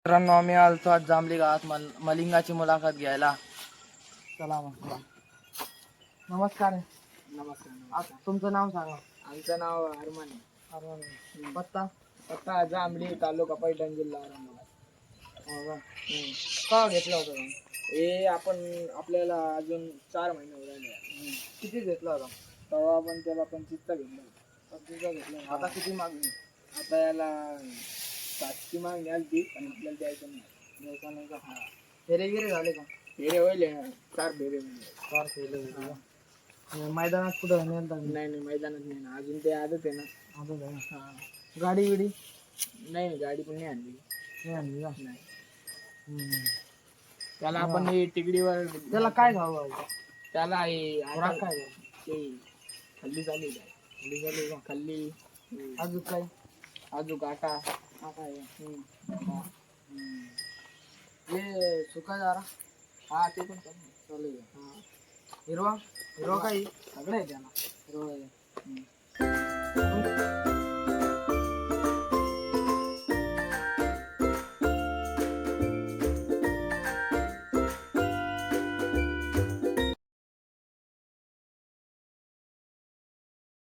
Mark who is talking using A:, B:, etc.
A: मित्रांनो, आम्ही आलतो आज जांभली गावात मलिंगाची मुलाखत घ्यायला. चला मग. नमस्कार.
B: नमस्कार.
A: तुमचं नाव सांगा.
B: आमचं नाव अरमान आहे.
A: अरमान. पत्ता.
B: पत्ता जांभली, तालुका पैठण, जिल्हा औरंगाबाद.
A: हो का? का घेतलं होतं का?
B: हे आपण आपल्याला अजून 4 महिने राहिले.
A: किती घेतला होता?
B: तेव्हा आपण त्याला 25चा घेतला.
A: 25चा घेतला. आता किती मागणी?
B: आता याला 7ची मागणी आली ती, पण आपल्याला द्यायचं नाही.
A: द्यायचा नाही का? हा. फेरे झाले का?
B: फेरे होईल 4 फेरे होईल.
A: 4 फेरे होते. मैदानात कुठं नेलं?
B: नाही मैदानात नाही ना, अजून ते आदत आहे ना.
A: आदत आहे.
B: हा.
A: गाडी बिडी
B: नाही, गाडी पण नाही आणली.
A: नाही आणली का?
B: नाही. त्याला आपण तिकडीवर
A: त्याला काय खाऊ?
B: त्याला
A: काय
B: ते खल्ली चालू आहे. खल्ली
A: अजून काय?
B: अजून आटा
A: आहे. हे सुका जरा.
B: हा ते पण चालू
A: आहे. हिरवा काय?
B: सगळं आहे त्याला.
A: हिरवा आहे.